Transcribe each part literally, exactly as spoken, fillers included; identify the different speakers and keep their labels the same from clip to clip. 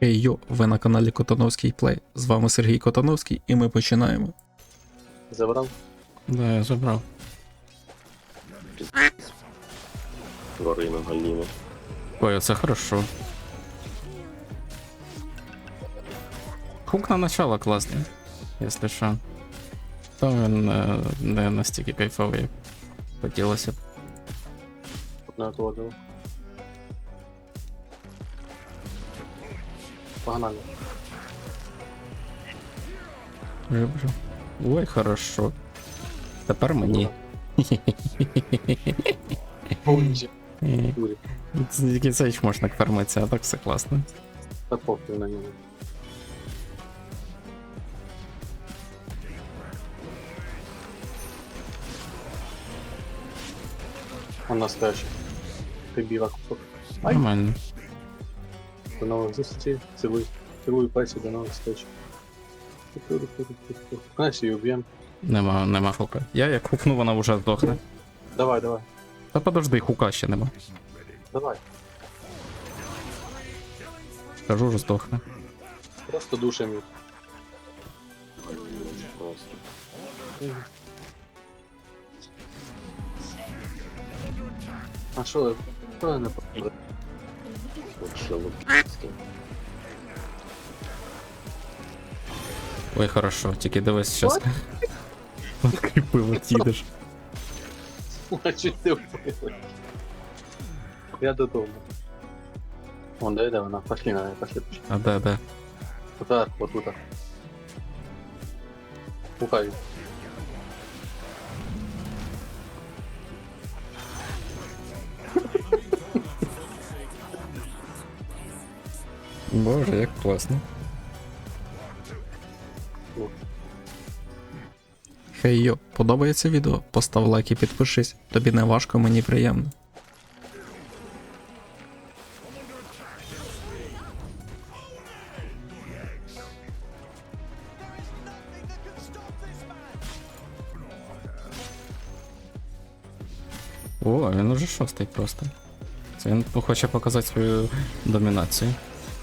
Speaker 1: Хей йо, ви на каналі Котановський Плей. З вами Сергій Котановський і ми починаємо.
Speaker 2: Забрав?
Speaker 3: Да, я забрав.
Speaker 2: Горина Галіна.
Speaker 3: Ой, це хорошо. Хук на начало класний, якщо що. То він не, не настільки кайфовий, як хотілося б.
Speaker 2: Одна отводила. Погнали.
Speaker 3: Жив-жив. Ой, хорошо. Тепер мені.
Speaker 2: Повністю.
Speaker 3: Тільки це ж можна фармитися, а так все класно.
Speaker 2: Та похуй на нього. Он настоящий. Ти біла кусок. Ай!
Speaker 3: Нормально.
Speaker 2: До нових зустрічей. Цілуй. Цілую пальці, до нових зустрічей. Знаєш, її уб'єм.
Speaker 3: Нема, нема хука. Я як хукну, вона вже здохне.
Speaker 2: Давай, давай.
Speaker 3: Та подожди, хука ще нема.
Speaker 2: Давай.
Speaker 3: Кажу, вже здохне.
Speaker 2: Просто душем їх. А що? Що я не попаду?
Speaker 3: Ой, хорошо, тільки дивись щас. Кріпиво їдеш.
Speaker 2: А чуть ти вбили? Я додому. Вон, де, де вона? Пошли на неї, пошли, пошли.
Speaker 3: А де, де?
Speaker 2: Тут, вот тут. Пухай.
Speaker 3: Боже, як класно.
Speaker 1: Хей йо, подобається відео? Постав лайк і підпишись. Тобі не важко, мені приємно.
Speaker 3: О, він уже шостий просто. Це він хоче показати свою домінацію.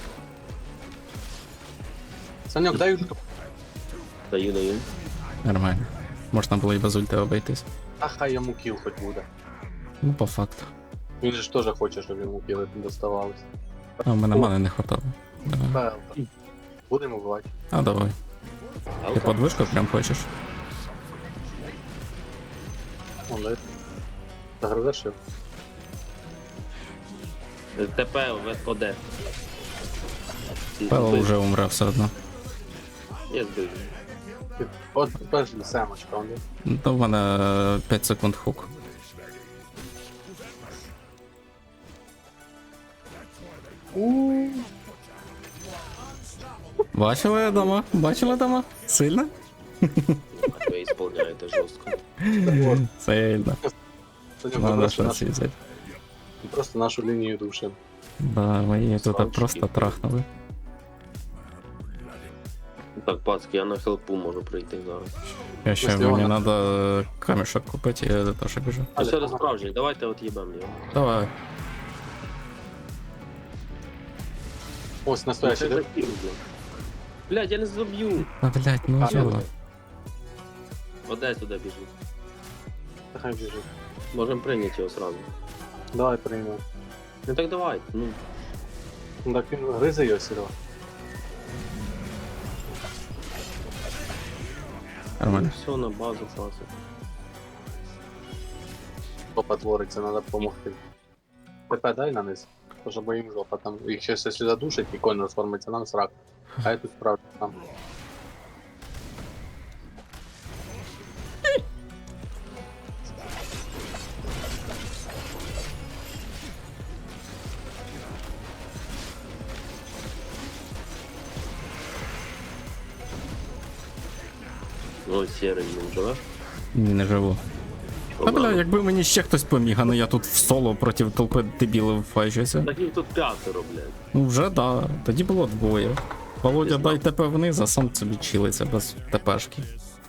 Speaker 2: Санек, дай ульту.
Speaker 4: Даю, даю.
Speaker 3: Нормально. Можна було і без ульти обійтись.
Speaker 2: А хай йому кіл хоч буде.
Speaker 3: Ну, по факту.
Speaker 2: Він же ж теж хоче, щоб йому кіли доставалось.
Speaker 3: А в мене мани не хватало. Давай.
Speaker 2: Та, будемо вбивати.
Speaker 3: А давай. Ти подвижку прям хочеш?
Speaker 2: Вон, дай. Загрузиш його.
Speaker 4: ТП в ОД.
Speaker 3: Пело вже умре все одно.
Speaker 4: Я збив.
Speaker 2: От перший семочка, он де.
Speaker 3: То в мене п'ять секунд хук. Бачили дома? Бачили дома? Сильно?
Speaker 4: Ви ісполняєте жорстко.
Speaker 3: Сильно.
Speaker 2: Санек,
Speaker 3: Надо
Speaker 2: просто,
Speaker 3: щось
Speaker 2: нашу,
Speaker 3: взяти.
Speaker 2: просто нашу лінію душим.
Speaker 3: Да, ми її тут
Speaker 4: Славчики.
Speaker 3: просто трахнули.
Speaker 4: Так, пацки, я на хелпу можу прийти зараз.
Speaker 3: Я ще
Speaker 2: Якщо
Speaker 3: мені
Speaker 2: вона-
Speaker 3: треба камішок купити, я до того, що біжу.
Speaker 4: А все до справжній, давайте от їбем його.
Speaker 3: Давай.
Speaker 2: Ось настоящий, де?
Speaker 4: Блядь, я не заб'ю.
Speaker 3: А, блядь, ну
Speaker 2: А,
Speaker 3: чого?
Speaker 4: ОД туди біжу.
Speaker 2: Та хай біжить.
Speaker 4: Можемо прийняти його сразу.
Speaker 2: Давай приймемо.
Speaker 4: Ну так давай. Ну,
Speaker 2: Ну так він гризе його сюди.
Speaker 3: Нормально.
Speaker 4: все на базу пацик.
Speaker 2: Жопа твориться, треба допомогти. ТП дай на низ. Тож бо їм жопа там. Їх щось якщо задушить і конь розформиться, нам срак. А я тут справді там.
Speaker 4: Ну, сірий він живе.
Speaker 3: Ні, не живу. Та бля, якби мені ще хтось поміг, а не я тут в соло проти толпи дебілів файжуся.
Speaker 4: Так їх тут п'ятеро, блядь.
Speaker 3: Ну вже да, тоді було двоє. Володя, дай ТП вниз, а сам собі чилиться без ТПшки.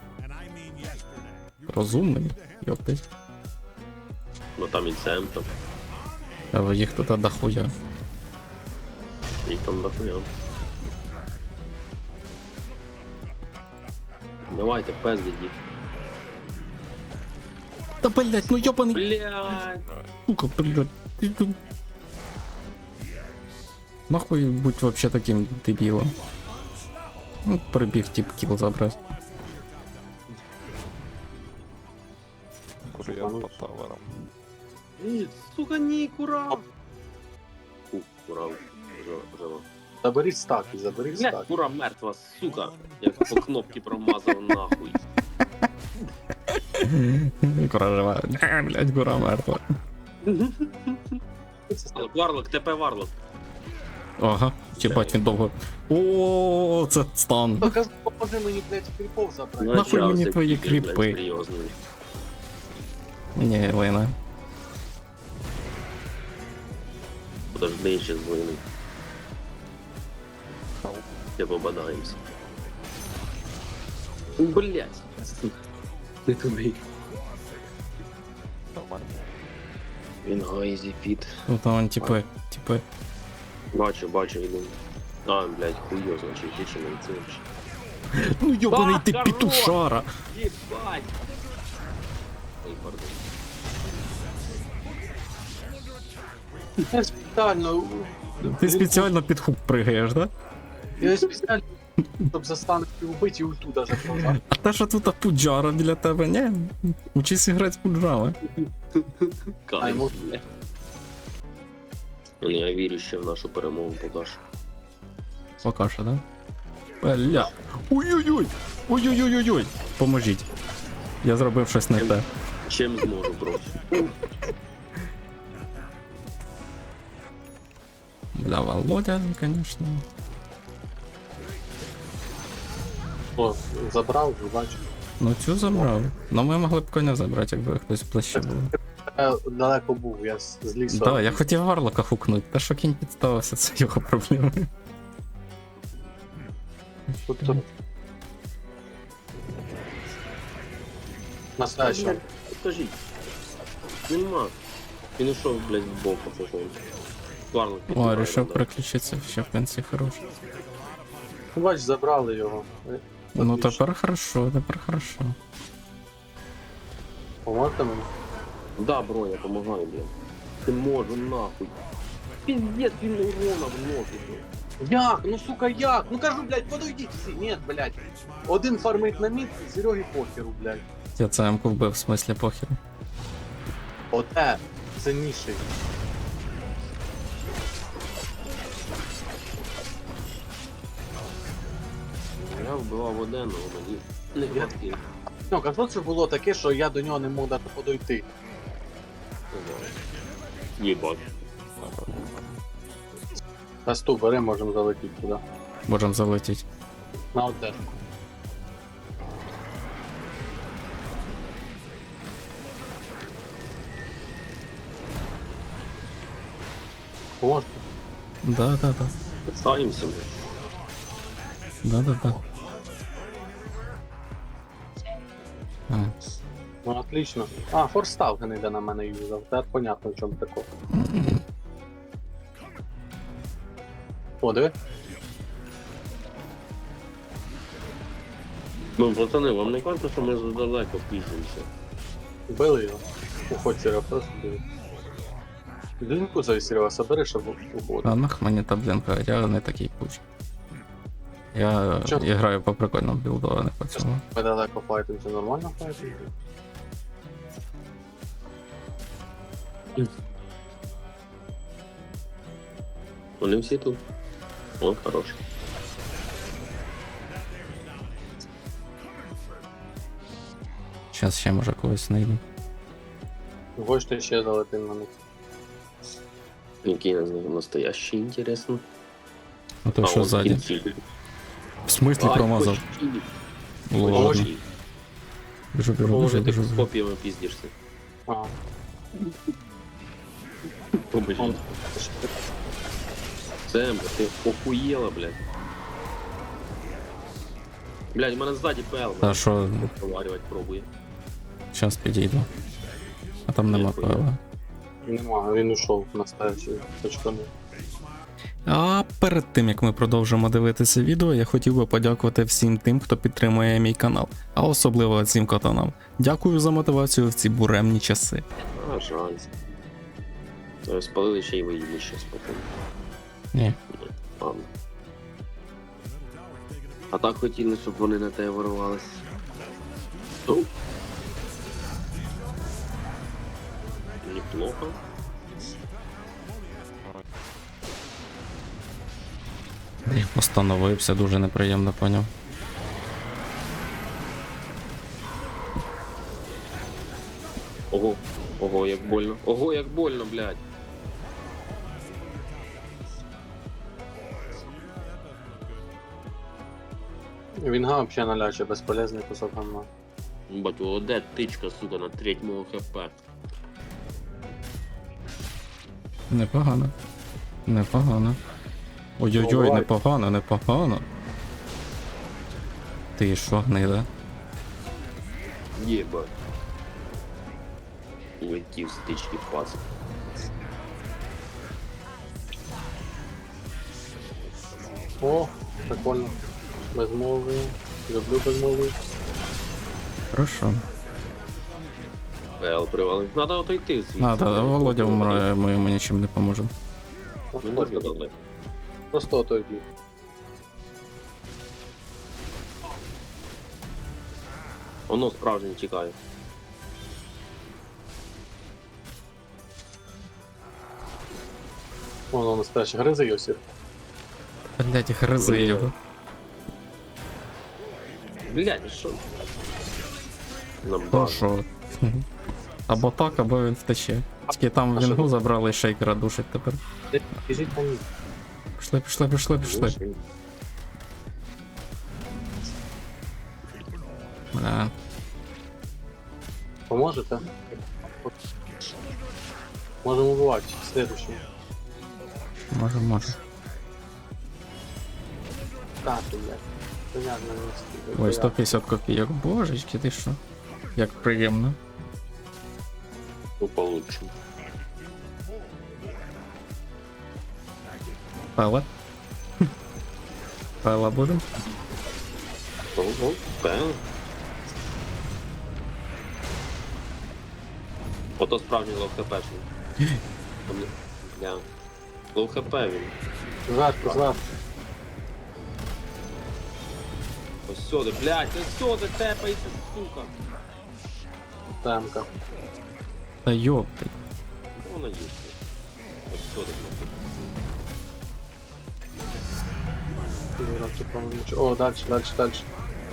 Speaker 3: Розумний, йоптить.
Speaker 4: Ну там і Сем там.
Speaker 3: А їх тут дохуя.
Speaker 4: Їх там дохуя. Давайте, пиздіть їх.
Speaker 3: Та блять, ну йобаний
Speaker 4: Блядь.
Speaker 3: сука, блять. Ти тут- Нахуй будь вообще таким дебілом. Ну, прибіг тип кіл забрати.
Speaker 5: Кур'єр по таверам.
Speaker 4: Ні, сука, ні, кура. Фу, кура. Жо- Жива.
Speaker 2: Заберіть стаки, заберіть
Speaker 4: Блядь,
Speaker 2: стаки.
Speaker 4: кура мертва, сука. Я по кнопці промазав нахуй.
Speaker 3: Кура жива. Е, блять, кура мертва.
Speaker 4: Варлок, ТП Варлок.
Speaker 3: Ага, їбать він довго. О, це стан.
Speaker 2: Ну, кажу, поможи мені, блядь, кріпов забрати.
Speaker 3: Нахуй
Speaker 4: Начався
Speaker 3: мені твої
Speaker 4: кібер, блядь,
Speaker 3: кріпи?
Speaker 4: серйозний.
Speaker 3: Ні, Лена.
Speaker 4: Подожди, ще звони. Я побадаємося. Блять. Не туди.
Speaker 5: Нормально.
Speaker 4: Він гайзі піт.
Speaker 3: Ну там он типи, типи.
Speaker 4: Бачу, бачу, йду. А, блять, хуйо, значить, більше не ціниш.
Speaker 3: Ну йобаний
Speaker 4: А,
Speaker 3: ти
Speaker 4: хорош!
Speaker 3: петушара.
Speaker 4: Єбать! Ой, пардон.
Speaker 2: Я спеціально...
Speaker 3: Ти спеціально під хук пригаєш, да?
Speaker 2: Я спеціально, щоб застанути вбити і ульту даже прожав.
Speaker 3: А те, що тут пуджара біля тебе, ні? Учись грати з пуджами.
Speaker 2: Ай,
Speaker 4: Кайф,
Speaker 2: мов-
Speaker 4: бля. Ну, я вірю ще в нашу перемогу поки що.
Speaker 3: Пока що, да? Бля. Ой-ой-ой! Ой-ой-ой-ой! Поможіть. Я зробив щось не те.
Speaker 4: Чим зможу просто.
Speaker 3: Бля, Володя, конечно.
Speaker 2: О, забрав, бачу.
Speaker 3: Ну цю забрав. Ну ми могли б коня забрати, якби хтось ближче був.
Speaker 2: Я далеко був, я з з лісу.
Speaker 3: Да, я хотів Варлока хукнути, та що кінь підставився, це його проблеми.
Speaker 2: Тут, тут. Настоящий.
Speaker 4: Скажіть. Нема. Він ушов, блядь, в бок, походу. Варлок
Speaker 3: О,
Speaker 4: підбирає,
Speaker 3: рішив
Speaker 4: да.
Speaker 3: переключитися, ще в кінці хорош.
Speaker 2: Бач, забрали його.
Speaker 3: Ну
Speaker 2: Отлично.
Speaker 3: тепер хорошо, тепер хорошо.
Speaker 2: Поможете мені?
Speaker 4: Да, бро, я помогаю, блядь. Ти можу, нахуй. Пиздец, він урона вносить, блядь.
Speaker 2: Як? Ну сука, як? Ну кажу, блядь, подойдіть всі. Ні, блядь. Один фармить на мід, Сереги похеру, блядь.
Speaker 3: Я це М-ку вбив, в смислі похеру.
Speaker 2: Оте, цінніший.
Speaker 4: Я вбивав один, але мені не хватило.
Speaker 2: Ну, кажу, що було таке, що я до нього не мог навіть подойти.
Speaker 4: Єбать.
Speaker 2: Касту бери, можемо залетіти туди.
Speaker 3: Можем залетіти.
Speaker 2: На одежку. Можете?
Speaker 3: Да, да, да.
Speaker 4: Ставимося, блядь.
Speaker 3: Да, да, да. А,
Speaker 2: Ну, отлично. А, форстав не йде на мене юзав. Тепер понятно, в чому тако. О, диви.
Speaker 4: Ну, пацани, вам не кажется, що ми задалеко піздимося?
Speaker 2: Били його. Уходь, Серега, просто диви. Диньку за Серега, собери, щоб уходити.
Speaker 3: а нах мені та блінка, я не такий куч. Я
Speaker 2: Чо?
Speaker 3: я граю по прикольному білду, а не по цьому.
Speaker 2: Ми далеко файтимося, нормально файтимося?
Speaker 4: Вони всі тут. О, хорош.
Speaker 3: Зараз ще може когось знайду.
Speaker 2: Хочете ще залетим на них.
Speaker 4: Який на- настоящий, інтересно.
Speaker 3: А то
Speaker 4: А,
Speaker 3: що
Speaker 4: он
Speaker 3: ззаді?
Speaker 4: кінці.
Speaker 3: В смислі
Speaker 4: Ай,
Speaker 3: промазав?
Speaker 4: почти.
Speaker 3: Ладно.
Speaker 4: Почти.
Speaker 3: Біжу, біжу,
Speaker 4: Може,
Speaker 3: біжу,
Speaker 4: ти
Speaker 3: біжу.
Speaker 4: з
Speaker 3: біжу.
Speaker 4: копіями піздишся.
Speaker 2: А,
Speaker 4: Побачи.
Speaker 2: он.
Speaker 4: Сэм, ти охуєла, блядь. Блядь, у мене ззаді пел.
Speaker 3: Та що,
Speaker 4: Проварювати пробує.
Speaker 3: зараз підійду. А там нема
Speaker 4: Ніхуя.
Speaker 3: пива.
Speaker 2: Нема, він ушов настоящий. Почканув.
Speaker 1: А перед тим як ми продовжимо дивитися відео, я хотів би подякувати всім тим, хто підтримує мій канал, а особливо цим катанам. Дякую за мотивацію в ці буремні часи.
Speaker 4: А, жаль. Е, Спалили ще й виїли ще спокійно.
Speaker 3: Ні.
Speaker 4: Ладно. А так хотіли, щоб вони на тебе ворвались. Ну. Неплохо.
Speaker 3: Я постановився, дуже неприємно поняв.
Speaker 4: Ого, ого, як больно. Ого, як больно, блядь.
Speaker 2: Вінга взагалі наляче, безполезний кусок гамна.
Speaker 4: Бать, о, де тичка, сука, на треть мого хп.
Speaker 3: Непогано. Непогано. Ой-ой-ой,
Speaker 2: Бувай.
Speaker 3: непогано, непогано. Ти що, гнида?
Speaker 4: Єбать. Улетів з тички пас.
Speaker 2: О, прикольно. Безмовий. Люблю безмовий.
Speaker 3: Хорошо.
Speaker 4: Ел привалив. Надо отойти звідси.
Speaker 3: Надо, Володя вмре, ми йому нічим не поможемо.
Speaker 4: Не можна далеко.
Speaker 2: Просто отойди.
Speaker 4: Воно справжнє тікає.
Speaker 2: Воно настояще гризи Йосиф.
Speaker 3: Блять, гризи його.
Speaker 4: Блядь, що? Нам
Speaker 3: То
Speaker 4: базу.
Speaker 3: що? Або так, або він втече. Тільки там
Speaker 2: А що
Speaker 3: вінгу
Speaker 2: тут?
Speaker 3: забрали і шейкера душить тепер.
Speaker 2: Біжіть по ній.
Speaker 3: Пішли, пішли, пішли, пішли. Бля.
Speaker 2: Поможете? Можемо убивати. Следующий.
Speaker 3: Може, може.
Speaker 2: Так, блядь. Понятно, не встиг.
Speaker 3: Ой, сто п'ятдесят копійок. Божечки, ти що? Як приємно.
Speaker 4: Ну, получше.
Speaker 3: Пела. Пела будем?
Speaker 4: Ого, певно. Ото справжній лоу хпшний. Бля. Лоу хп він.
Speaker 2: Зверху, зверху.
Speaker 4: Ось сюди, блядь, ось сюди тепається, сука.
Speaker 2: Темка.
Speaker 3: Та йопти.
Speaker 4: Вона є. Ось сюди, блядь.
Speaker 2: Дурак, по-моему, ничего. О, дальше, дальше, дальше.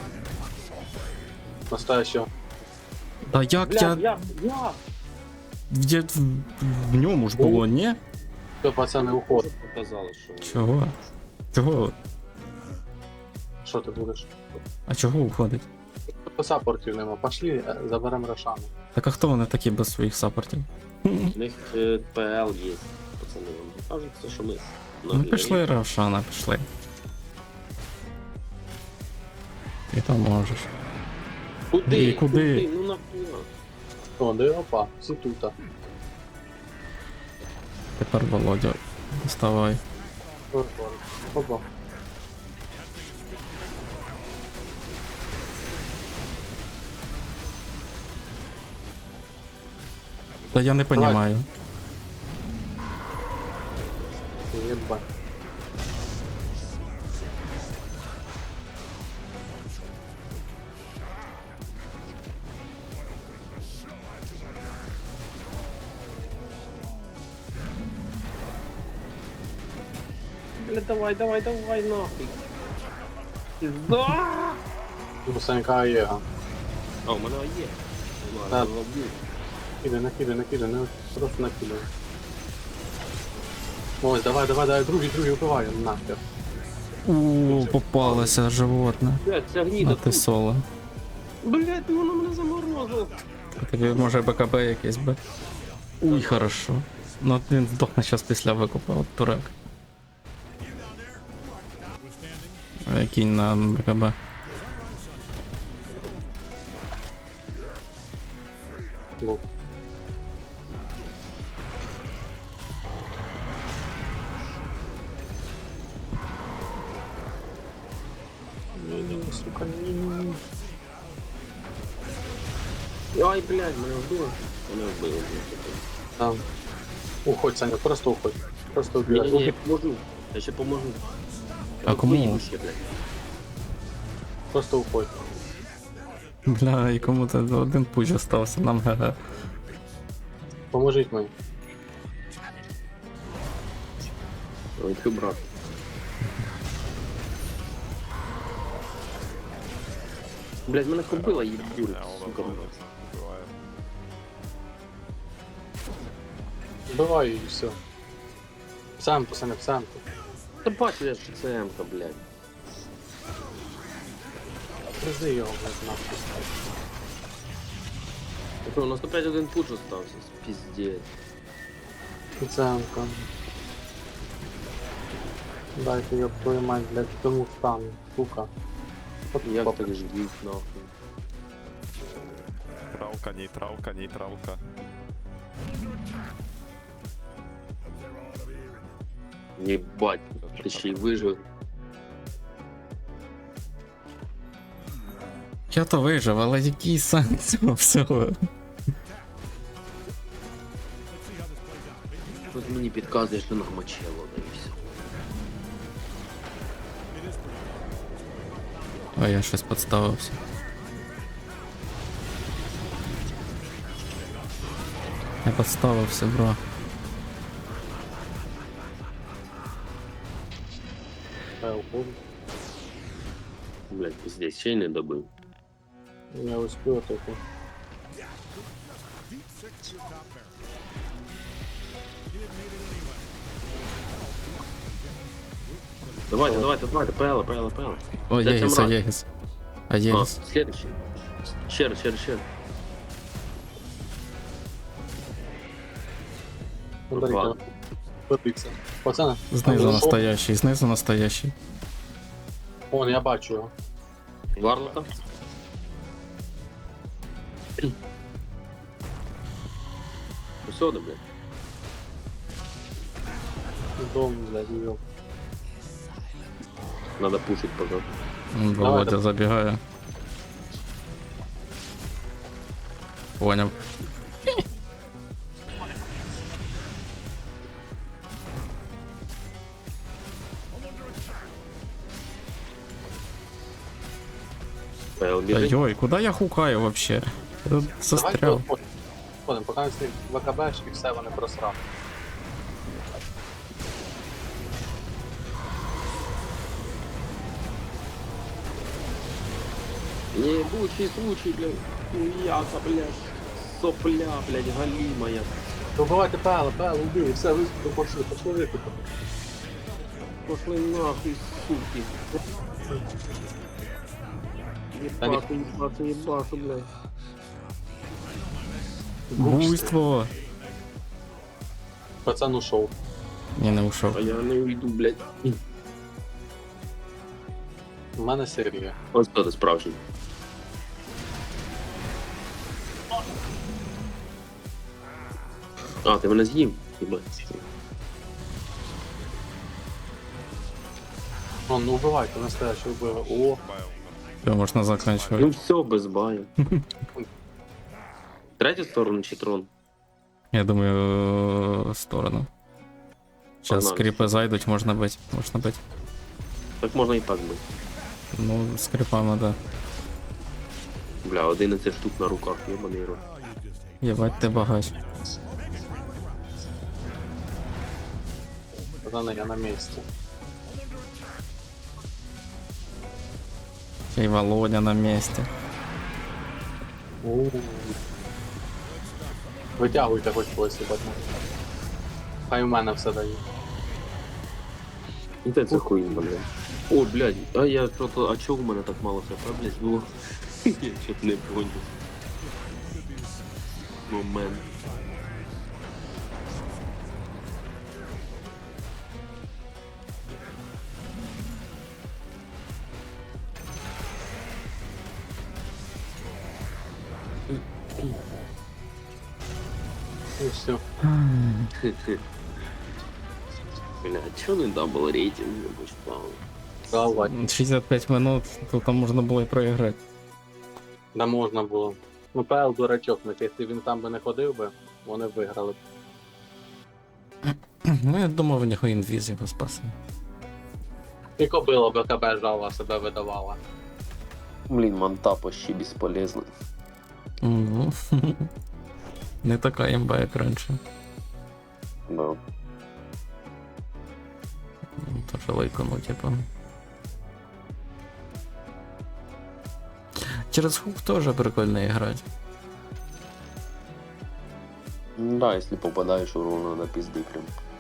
Speaker 2: Настоящего.
Speaker 3: Та як
Speaker 4: Блядь,
Speaker 3: я...
Speaker 4: я, я!
Speaker 3: Я... В... в ньому ж було, ні?
Speaker 2: Все, пацаны, уход.
Speaker 4: Показали, що...
Speaker 3: Чого? Чого?
Speaker 2: Что ты будешь?
Speaker 3: А чого уходить?
Speaker 2: По саппортів нема. Пошли, э, заберем Рошану.
Speaker 3: Так а хто вони такі без своїх саппортів?
Speaker 4: У них е, ПЛ є, пацани. Вам кажуть, це що ми...
Speaker 3: Ну пішли, Равшана, пішли. Ти там можеш.
Speaker 4: Куди?
Speaker 3: І куди?
Speaker 4: Ну нахуя?
Speaker 2: О, де опа, всі тута.
Speaker 3: Тепер Володя. Доставай.
Speaker 2: Опа.
Speaker 3: Та я не понімаю.
Speaker 2: Єбать.
Speaker 4: Бля, давай, давай, давай, нахуй. Пізда!
Speaker 2: У Санька Єга.
Speaker 4: А, у мене є.
Speaker 2: Так.
Speaker 4: Ладно, ловлю.
Speaker 2: Накидай, накидай, накидай, не просто накидай. Ось, давай, давай, давай, другий, другий вбивай, нахер.
Speaker 3: Ууу, попалося животне.
Speaker 4: Блядь, ця гніда
Speaker 3: А ти
Speaker 4: тут.
Speaker 3: соло.
Speaker 4: Блядь, ну воно мене заморозило.
Speaker 3: Тобі може БКБ якийсь би. Уй, хорошо. Ну от він здохне зараз після викупа, от турек. Е, Кінь на БКБ.
Speaker 2: Лук. ні, сука, ні, ні, ні.
Speaker 4: Ай, блядь, мене вбило. Мене вбило.
Speaker 2: Там. Уходь, Саня, просто уходь. Просто
Speaker 4: Ні,
Speaker 2: убирай.
Speaker 4: ні, ні, я поможу. Я ще поможу.
Speaker 3: А кому?
Speaker 4: Поїду ще, блядь.
Speaker 2: Просто уходь.
Speaker 3: Бля, і кому-то один пуч остався, нам ГГ.
Speaker 2: Поможіть мені.
Speaker 4: Ой, ти брат. Блядь, мене кобила їбурить, сука.
Speaker 2: Вбивай і все. Самку, Саня, самку.
Speaker 4: Та бачу я, що це М-ка, блядь.
Speaker 2: Призи його, блядь, нахуй.
Speaker 4: Що, у нас опять один пуч остався, пиздец.
Speaker 2: Самка. Дайте, ёб твою мать, блядь, тому встану, сука. От
Speaker 4: Як
Speaker 2: пап-
Speaker 4: так ждіть, нахуй.
Speaker 5: Нейтралка, нейтралка, нейтралка.
Speaker 4: Єбать, ти ще й вижив.
Speaker 3: Я то вижив, але який сенс цього всього?
Speaker 4: Тут мені підказує, що намочило, да і все.
Speaker 3: А я щось підставився. Я підставився, бро.
Speaker 2: Я уходжу.
Speaker 4: Блядь, пиздец, ще й не добив.
Speaker 2: Я успію таку.
Speaker 4: Давайте, давайте, давайте, пела, пела, пела.
Speaker 3: О,
Speaker 4: Це
Speaker 3: Єгіс,
Speaker 4: Тимрад.
Speaker 3: Єгіс. А
Speaker 4: А,
Speaker 3: Єгіс.
Speaker 4: следующий. Ще раз, ще раз, ще раз.
Speaker 2: Подарите.
Speaker 4: Ладно.
Speaker 2: Випікся. Пацани.
Speaker 3: Знизу
Speaker 2: О,
Speaker 3: настоящий, знизу настоящий.
Speaker 2: Вон, я бачу його.
Speaker 4: Варлока? Усюди, блядь.
Speaker 2: Дом, блядь, йоп.
Speaker 4: Надо пушить, пожалуйста.
Speaker 3: М,
Speaker 2: Давай,
Speaker 3: Володя
Speaker 2: давай.
Speaker 3: забігає. Поняв.
Speaker 4: Пел біжить.
Speaker 3: Ой, куди я хукаю вообще? Я тут
Speaker 2: Давайте
Speaker 3: застряв.
Speaker 2: виходимо, поки він з них ВКБшки, все вони просрав.
Speaker 4: Ебучий случай, блядь. Хуяка, блядь. Сопля, блядь, галимая.
Speaker 2: Добивайте пела, пела, убили, все, виступи, пошли, пошли виступи.
Speaker 4: Пошли нахуй, суки. Ебашу, ебашу, ебашу, блядь.
Speaker 3: Буйство.
Speaker 2: Пацан ушов.
Speaker 3: Ні, не ушов.
Speaker 4: А я не уйду, блядь.
Speaker 2: У мене Сергія.
Speaker 4: Ось хто ти справжній. А, ти мене з'їв? Єбать.
Speaker 2: Вон, ну убивайте, настоящий вбили. О,
Speaker 3: Все, можна
Speaker 4: Ну
Speaker 3: закінчувати.
Speaker 4: все, без баю. Третю сторону чи трон?
Speaker 3: Я думаю, в сторону. Зараз
Speaker 4: Погнали.
Speaker 3: скріпи зайдуть, можна бити. Можна бити.
Speaker 4: Так можна і так бити.
Speaker 3: Ну, скрипами, да.
Speaker 4: Бля, одинадцять штук на руках, єбаний рот.
Speaker 3: Єбать ти багач.
Speaker 2: пацани, я на місці.
Speaker 3: І Володя на місці.
Speaker 2: У. Витягуйте хоч когось, їбать. Хай у мене все дає.
Speaker 4: Ну це хуйня, блядь. О, блядь, а я что-то, а чого у мене так мало хп, блядь, було? Я чого не понял. Момент.
Speaker 2: І все.
Speaker 4: Бля, чого не дабл рейтинг не поставив?
Speaker 2: Галва.
Speaker 3: шістдесят п'ять минут, то там можна було і проіграти.
Speaker 2: Да можна було. Ну, Пел дурачок, ну, якщо він там би не ходив би, вони б виграли.
Speaker 3: Ну, я думав, у нього інвіз його спасе.
Speaker 2: І кобила БКБ жала, себе видавала.
Speaker 4: Блин, манта почти бесполезна.
Speaker 3: Ну, не така імба, як раніше.
Speaker 4: Да.
Speaker 3: Ну, Тоже лайкану, типа. Через хук тоже прикольно играть.
Speaker 4: Да, если попадаешь урона до пизды прям.